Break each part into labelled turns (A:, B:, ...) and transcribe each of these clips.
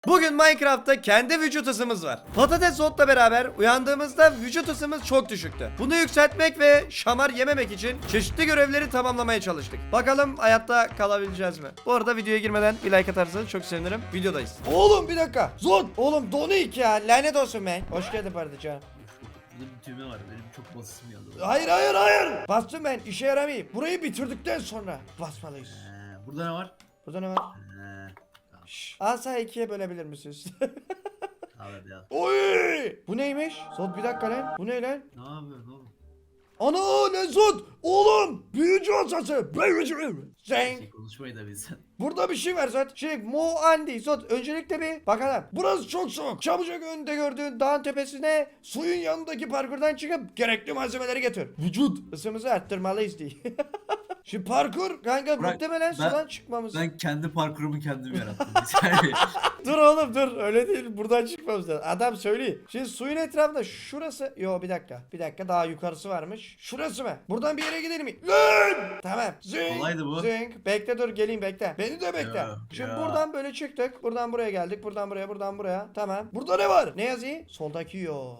A: Bugün Minecraft'ta kendi vücut ısımız var. Patates otla beraber uyandığımızda vücut ısımız çok düşüktü. Bunu yükseltmek ve şamar yememek için çeşitli görevleri tamamlamaya çalıştık. Bakalım hayatta kalabileceğiz mi? Bu arada videoya girmeden bir like atarsanız çok sevinirim. Videodayız. Oğlum bir dakika. Zon. Oğlum Donik ya. Lanet olsun be. Hoş geldin parçacığım.
B: Burada bir düğme var. Benim çok basısım geldi.
A: Hayır. Bastım ben. İşe yaramayayım. Burayı bitirdikten sonra basmalıyız.
B: Burada ne var?
A: Burada ne var? Şşş. Asa ikiye bölebilir misiniz?
B: Abi ya.
A: Oy! Bu neymiş? Zod bir dakika lan. Bu ne lan?
B: Ne yapıyorsun oğlum?
A: Ana ne Zod? Oğlum! Büyücü asası! Büyücü! Zeng!
B: Konuşmayı da bilsen.
A: Burada bir şey var Zod. Mo Andi Zod. Öncelikle bir bakalım. Burası çok soğuk. Çabucak önünde gördüğün dağın tepesine suyun yanındaki parkurdan çıkıp gerekli malzemeleri getir. Vücut ısımızı arttırmalıyız diye. Şimdi parkur kanka muhtemelen sudan çıkmamız.
B: Ben kendi parkurumu kendim yarattım. Bir saniye.
A: Dur oğlum dur öyle değil buradan çıkmamız lazım. Adam söyleyeyim. Şimdi suyun etrafında şurası. Yo bir dakika daha yukarısı varmış. Şurası mı? Buradan bir yere gidelim mi? Lan! Tamam. Zing.
B: Kolaydı bu.
A: Zing. Bekle dur geleyim bekle. Beni de bekle.
B: Ya,
A: Şimdi
B: ya.
A: buradan böyle çıktık. Buradan buraya geldik. Buradan buraya. Tamam. Burada ne var? Ne yazıyor? Soldaki yol.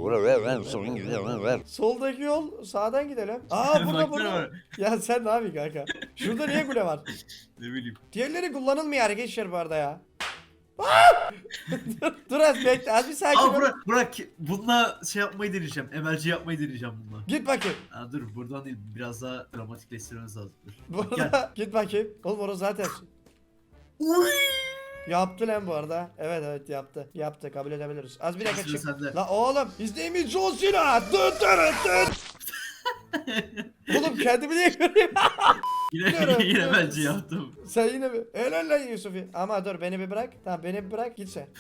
A: Soldaki yol sağdan gidelim. Aa burada
B: Baksana var.
A: Ya sen ne yapıyorsun kanka? Şurada niye kule var?
B: Ne bileyim.
A: Diğerleri kullanılmıyor arkadaşlar bu arada ya. Aa! Dur az bekle az bir sakin ol.
B: Bırak. Bununla şey yapmayı deneyeceğim. MLC yapmayı deneyeceğim bununla.
A: Git bakayım.
B: Dur buradan değil. Biraz daha dramatikleştirmemiz lazım. Dur.
A: Bu
B: Gel.
A: arada git bakayım. Oğlum orası zaten.
B: Uy!
A: Yaptı lan bu arada. Evet yaptı. Yaptı kabul edebiliriz. Az bir dakika
B: Sıra
A: çık.
B: sende.
A: La oğlum izleyimiz John Cena. Oğlum kendimi niye göreyim?
B: Yine MLC yaptım.
A: Sen yine mi? Helal lan Yusuf'i. Ama dur beni bir bırak. Tamam beni bir bırak git sen.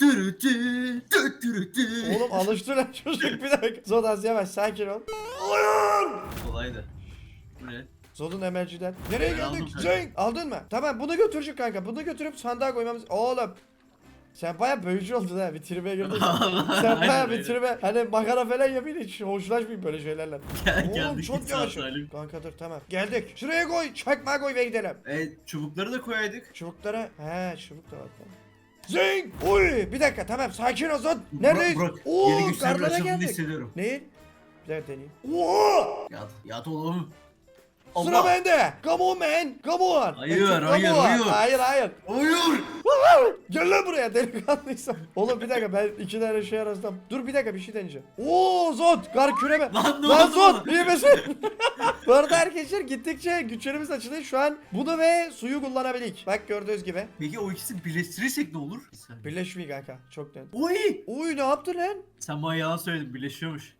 A: Oğlum alıştı lan çocuk bir dakika. Zod az yavaş sakin ol.
B: Kolaydı. Bu ne?
A: Zod'un emelciden. Nereye
B: Ben
A: geldik?
B: aldım kanka.
A: Cenk aldın mı? Tamam bunu götürecek kanka. Bunu götürüp sandığa koymamız. Oğlum. Sen baya büyücü oldun ha. Bir tribe girdin. Sen baya
B: Aynen,
A: bir tribe. Hani makara falan yapayım hiç hoşlaşmayayım böyle şeylerle. Oğlum
B: Geldik,
A: çok
B: git
A: yavaş.
B: sağ salim.
A: Kanka dur tamam. Geldik. Şuraya koy. Çakmağı koy ve gidelim.
B: Çubukları da koyaydık.
A: Çubuklara. He çubuk da var. Tamam. Zing! Oy! Bir dakika tamam sakin ol Zod. Neredeyiz?
B: Burak,
A: Oo,
B: yeni güçler
A: karlara
B: açıldığını
A: geldik.
B: hissediyorum.
A: Neyi? Bir dakika deneyeyim. Oha!
B: Yat oğlum.
A: Sıra bende. Come on man. Come on.
B: Hayır,
A: Come
B: hayır,
A: on.
B: hayır.
A: Hayır.
B: Hayır.
A: Gel lan buraya delikanlıysam. Oğlum bir dakika ben iki tane şey arasında. Dur bir dakika bir şey deneyeceğim. Oo Zod kar küreme.
B: Lan ne
A: Lan
B: oldu
A: Zod
B: bana?
A: iyi misin? Bu arada arkadaşlar gittikçe güçlerimiz açılıyor. Şu an bunu ve suyu kullanabilik. Bak gördüğünüz gibi.
B: Peki o ikisini birleştirirsek ne olur? Bir saniye.
A: Birleşmiyor kanka. Çok net.
B: Oy!
A: Uy ne yaptın lan?
B: Sen bana yalan söyledin, birleşiyormuş.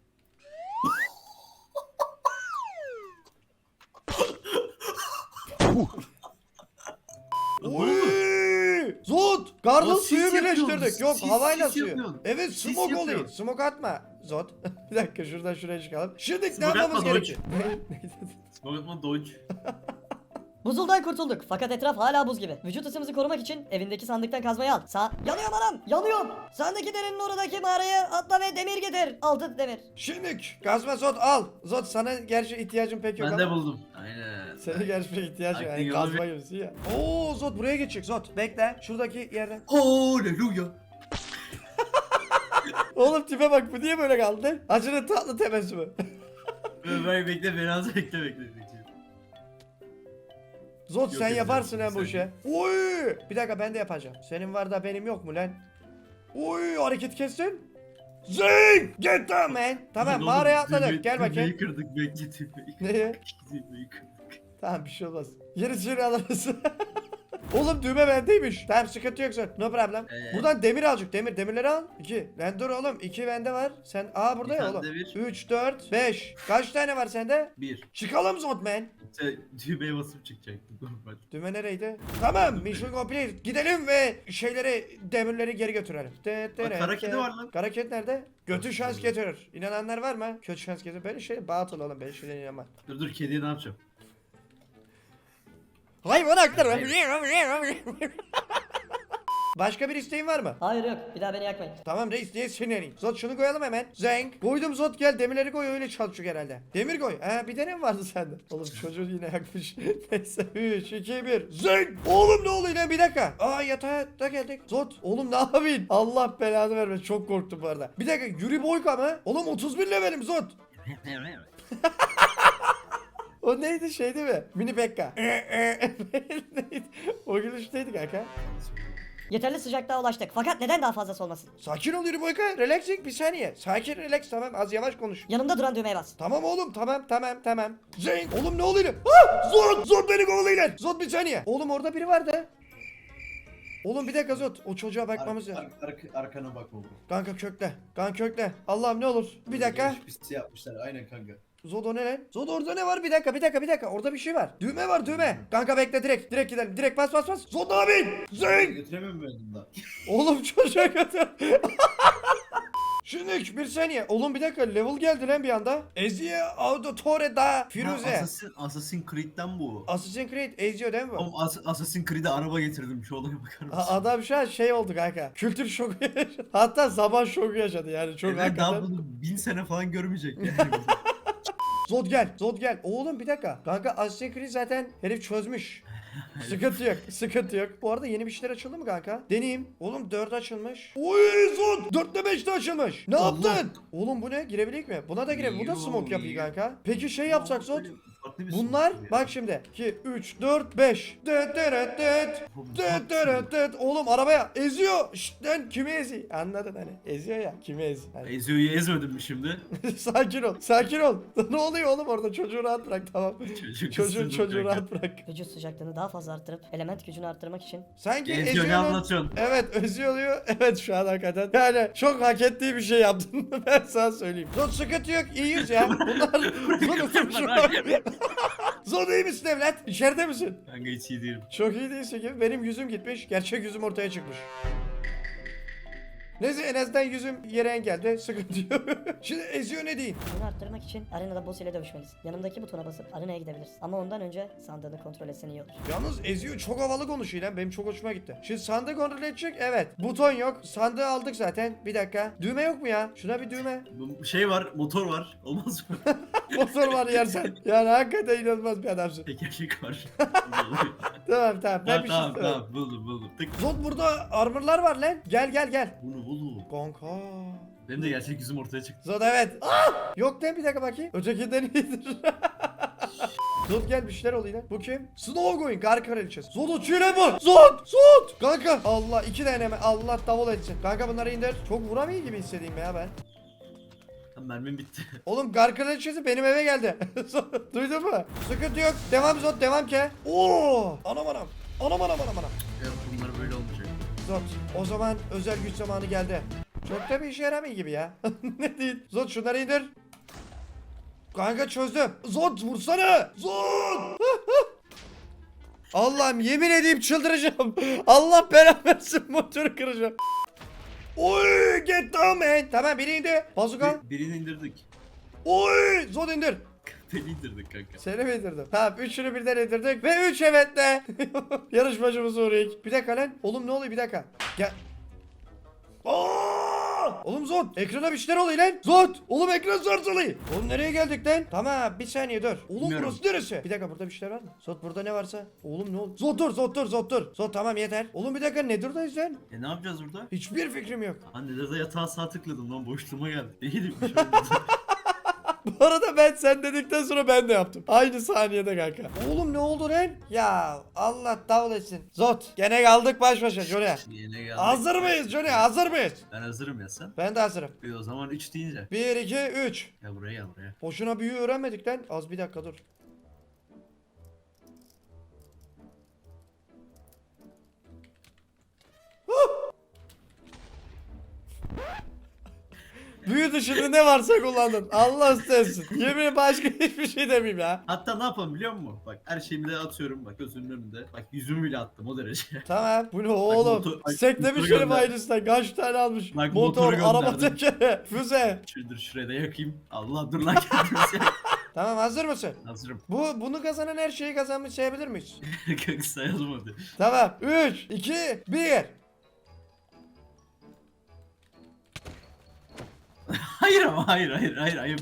A: Uy! Zod! Garla
B: O
A: suyu
B: sis
A: birleştirdik.
B: yapıyorsun,
A: Yok
B: sis
A: havayla suyu.
B: yapıyorsun.
A: Evet
B: Sis
A: smoke oluyor.
B: yapıyorsun.
A: Smoke atma. Zod. Bir dakika şuradan şuraya çıkalım. Şimdi ne
B: Smoke
A: yapmamız
B: atma,
A: gerekiyor?
B: Smoke'ma dodge.
C: Buzuldan kurtulduk fakat etraf hala buz gibi. Vücut ısımızı korumak için evindeki sandıktan kazmayı al. Yanıyorum anam! Yanıyorum! Sandık derenin oradaki mağaraya atla ve demir getir. 6 demir.
A: Şimdi kazma Zod al. Zod sana gerçi ihtiyacın pek yok
B: Ben de
A: ama.
B: buldum. Aynen.
A: Senin gerçi pek ihtiyacın yok.
B: Aklın
A: Yani
B: yolu
A: kazma
B: bir-
A: gibisin ya. Oo Zod buraya geçecek Zod. Bekle şuradaki yerden.
B: Hallelujah.
A: Oğlum tipe bak bu niye böyle kaldı? Acının tatlı tebessümü.
B: Bekle, beni az bekle.
A: Zod
B: Yok,
A: sen
B: yok,
A: yaparsın
B: yok,
A: lan bu
B: sen
A: işe. Oy! Bir dakika ben de yapacağım. Senin var da benim yok mu lan? Oy hareket kestin. Zing! Get down man. Tamam mağaraya atladık. Gel bakayım.
B: Tümeyi kırdık, bekle tümeyi.
A: Neye?
B: Tümeyi kırdık.
A: Tamam bir şey olmaz. Yeri alırız. Oğlum düğme bendeymiş. Tamam sıkıntı yok Zod. No problem. Buradan demir alacak. Demirleri al. 2. Ben dur oğlum. 2 bende var. Sen burada
B: Bir
A: ya
B: tane
A: oğlum.
B: de bir.
A: 3 4 5. Kaç tane var sende?
B: 1.
A: Çıkalım Zod man.
B: Sen düğmeye basıp çıkacaktın normal.
A: Düğme nereydi? Tamam mission complete. Gidelim ve demirleri geri götürelim.
B: Bak, kara kedi var lan.
A: Kara kedi nerede? Götü şans getirir. İnananlar var mı? Kötü şans getirir. Böyle batıl oğlum. Ben şeyden inanmam.
B: Dur kediye ne yapacağım?
A: Hayvan hakları. Başka bir isteğin var mı?
C: Hayır yok. Bir daha beni yakmayın.
A: Tamam reis niye sinirliyim? Zot şunu koyalım hemen. Zenk. Koydum Zot gel demirleri koy öyle çalışıyor herhalde. Demir koy. Bir de ne vardı sende? Oğlum çocuğu yine yakmış. Neyse 3 2 1. Zenk. Oğlum ne oluyor lan bir dakika. Yatağa da geldik. Zot oğlum ne yapayım? Allah belanı vermesin çok korktum bu arada. Bir dakika Yuri Boyka mı? Oğlum 31 levelim Zot. O neydi şey değil mi? Mini Pekka. Neydi? O gülüşteydi kanka.
C: Yeterli sıcaklığa ulaştık. Fakat neden daha fazlası olmasın?
A: Sakin ol Yuri Boyka. Relaxing bir saniye. Sakin relax tamam az yavaş konuş.
C: Yanımda duran düğmeye bas.
A: Tamam oğlum tamam. Zeyn oğlum ne oluyor? Zot beni kovalayın. Zot bir saniye. Oğlum orada biri vardı. Oğlum bir dakika Zot. O çocuğa bakmamız lazım.
B: Arkana bak oğlum.
A: Kanka kökle. Kanka kökle. Allah'ım ne olur. Bir dakika.
B: Pis yapmışlar aynen kanka.
A: Zod o ne lan? Zod orada ne var? Bir dakika. Orada bir şey var. Düğme var düğme. Kanka bekle direkt gidelim. Direkt bas. Zod abi. Zeyn.
B: Götüremem ben bundan.
A: Oğlum çocuğa götür. Şimdi bir saniye. Oğlum bir dakika level geldi lan bir anda. Ezio Auditore da Firuze.
B: Assassin's Creed'den bu.
A: Assassin's Creed Ezio değil mi bu?
B: Oğlum Assassin's Creed'e araba getirdim şu olaya bakar mısın?
A: Adam şu an şey oldu kanka. Kültür şoku yaşadı. Hatta zaman şoku yaşadı yani çok
B: Evet daha
A: hakikaten.
B: bunu 1000 sene falan görmeyecek yani.
A: Zod gel. Oğlum bir dakika. Kanka Assassin's Creed zaten herif çözmüş. Sıkıntı yok. Bu arada yeni bir şeyler açıldı mı kanka? Deneyeyim. Oğlum 4 açılmış. Oy Zod 4'te 5'te açılmış. Ne
B: Allah.
A: yaptın? Oğlum bu ne? Girebilir mi? Buna da girebilir. Bu da smoke yapıyor kanka. Peki şey yapsak Zod. Bunlar bak şimdi 2 3 4 5 oğlum arabaya eziyor. Şşt lan kimi eziyor? Anladın hani eziyor ya kimi eziyor? Hani.
B: Ezio'yu ezmedin mi şimdi?
A: Sakin ol. Ne oluyor oğlum orada çocuğu rahat bırak tamam. Çocuğu
B: ısırdım
A: rahat
B: kanka.
A: bırak.
C: Vücut sıcaklığını daha fazla arttırıp element gücünü arttırmak için
A: Sanki
B: Ezio ne
A: eziyor.
B: anlatıyorsun?
A: Evet eziyor. Evet şu an hakikaten. Yani çok hak ettiği bir şey yaptın. Ben sana söyleyeyim. Zod sıkıntı yok iyiyiz ya. Bunlar Zod iyi misin evlat? İçeride misin?
B: Kanka hiç iyi değilim.
A: Çok iyi değilsin gibi. Benim yüzüm gitmiş. Gerçek yüzüm ortaya çıkmış. Neyse en azından yüzüm yere engeldi. Sıkıntı yok. Şimdi eziyor ne diyeyim?
C: bunu arttırmak için arenada boss ile dövüşmelisin. Yanımdaki butona basıp arenaya gidebilirsin. Ama ondan önce sandığını kontrol etsen iyi olur.
A: Yalnız eziyor çok havalı konuşuyor lan. Benim çok hoşuma gitti. Şimdi sandığı kontrol edecek. Evet. Buton yok. Sandığı aldık zaten. Bir dakika. Düğme yok mu ya? Şuna bir düğme.
B: Bu şey var, motor var. Olmaz mı?
A: Motor var yersen. Yani hakikaten inanılmaz bir adamsın.
B: Tekerlek var.
A: Tamam. Ben bir şey
B: Tamam
A: istemem.
B: buldum. Tık.
A: Zod burada armorlar var lan. Gel.
B: Bunu.
A: Kanka.
B: Benim de gerçek yüzüm ortaya çıktı.
A: Zod evet. Yok lan bir dakika bakayım. Ötekinden iyidir. Zod gel bir şeyler oluyor lan. Bu kim? Snow going kar kraliçesi. Zod uçuyor lan bu. Zod. Kanka. Allah 2 tane mi? Allah davul etsin. Kanka bunları indir. Çok vuramıyor gibi hissediyorum ya ben.
B: Tam mermim bitti.
A: Oğlum kar kraliçesi benim eve geldi. Duydun mu? Sıkıntı yok. Devam Zod devam ke. Oo. Anam.
B: Evet bunlar böyle olmayacak.
A: Zod o zaman özel güç zamanı geldi. Çok da bir işe yaramıyor gibi ya. Ne değil. Zod şunları indir. Kanka çözdüm. Zod vursana. Zod. Allah'ım yemin edeyim çıldıracağım. Allah belanı versin motoru kıracağım. Oy get down man. Tamam biri indi. Bazuka.
B: Birini indirdik.
A: Oy Zod indir.
B: Beni indirdik kanka.
A: Seni mi indirdim? Tamam üçünü birden indirdik ve 3 evetle. Yarışmacımız Uğrayık. Bir dakika lan. Oğlum ne oluyor bir dakika. Gel. Oğlum Zod ekrana bir şeyler oluyor lan. Zod oğlum ekran sarsılıyor. Oğlum nereye geldik lan? Tamam bir saniye dur. Oğlum
B: Bilmiyorum.
A: burası neresi? Bir dakika burada bir şeyler var mı? Zod burada ne varsa. Oğlum ne oldu? Zod dur. Zod tamam yeter. Oğlum bir dakika Nether'dayız lan.
B: Ne yapacağız burada?
A: Hiçbir fikrim yok.
B: Anne de yatağa sağ tıkladım lan boşluğuma geldi. İyiydim bir şey
A: Bu arada ben sen dedikten sonra ben de yaptım. Aynı saniyede kanka. Oğlum ne oldu lan? Ya Allah davul etsin. Zod gene kaldık baş başa Johnny.
B: Yine geldi.
A: Hazır mıyız Johnny? Hazır mıyız?
B: Ben hazırım ya sen.
A: Ben de hazırım.
B: O zaman 3 deyince.
A: 1 2 3.
B: Ya buraya.
A: Boşuna büyü öğrenmedik lan. Az bir dakika dur. Büyü dışında ne varsa kullandın. Allah istesin. Yemin başka hiçbir şey demeyeyim ya.
B: Hatta ne yapalım biliyor musun? Bak her şeyimi de atıyorum bak gözünün önünde. Bak yüzümü bile attım o derece.
A: Tamam. Bu ne oğlum?
B: motor-
A: Seklemiş
B: motoru
A: herif
B: gönder.
A: aynısından. Kaç tane almış?
B: Bak
A: Motor,
B: motoru
A: araba
B: gönderdim.
A: tekeri, füze.
B: Şuradır şuraya da yakayım. Allah dur lan kendimize.
A: Tamam hazır mısın?
B: Hazırım.
A: Bunu kazanan her şeyi kazanmış sayabilir miyiz?
B: Kanka sayalım hadi.
A: Tamam. 3 2 1.
B: Hayır ama hayır ayıp.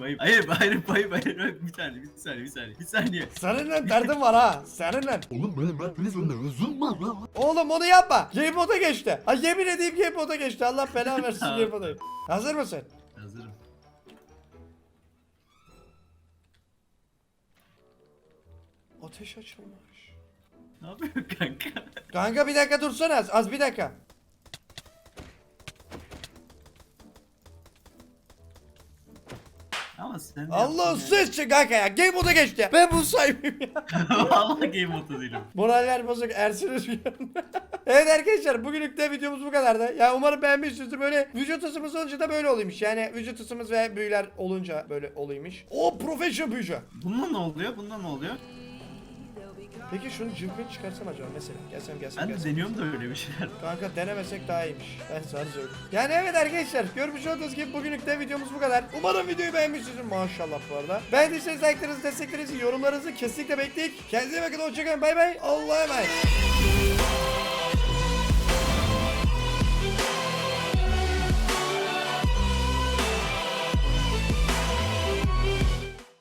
B: Bir saniye.
A: Seninle derdim var ha. Seninle.
D: Oğlum benim üzerinde üzüm var lan.
A: Oğlum onu yapma. Game moda geçti. Ha yemin edeyim game moda geçti. Allah belanı versin
B: Tamam.
A: game modayı. Hazır mısın?
B: Hazırım.
A: Ateş açılmış.
B: Ne yapıyorsun kanka?
A: Kanka bir dakika dursana az bir dakika.
B: Ama sen
A: Allah
B: yaptın ya.
A: sıçtı kanka ya. Game moda geçti. Ben bunu saymıyorum ya.
B: Vallahi game modu değilim.
A: Moraller bozuk Ersin Özgür'ün. Evet arkadaşlar bugünlük de videomuz bu kadardı. Ya umarım beğenmişsinizdir. Böyle vücut ısımız olunca da böyle oluyormuş. Yani vücut ısımız ve büyüler olunca böyle oluyormuş. O professional büyücü.
B: Bundan ne oluyor? Bundan ne oluyor?
A: Peki şunu cıvkını çıkarsam acaba mesela. Gelsem.
B: Ben de deniyorum da öyle bir şeyler.
A: Kanka denemesek daha iyiymiş. Ben sana söyleyeyim. Yani evet arkadaşlar görmüş olduğunuz gibi bugünlük de videomuz bu kadar. Umarım videoyu beğenmişsinizdir maşallah bu arada. Beğendiyseniz like'larınızı, desteklerinizi, yorumlarınızı kesinlikle bekleyin. Kendinize iyi bakın, hoşçakalın, bay bay. Allah'a emanet.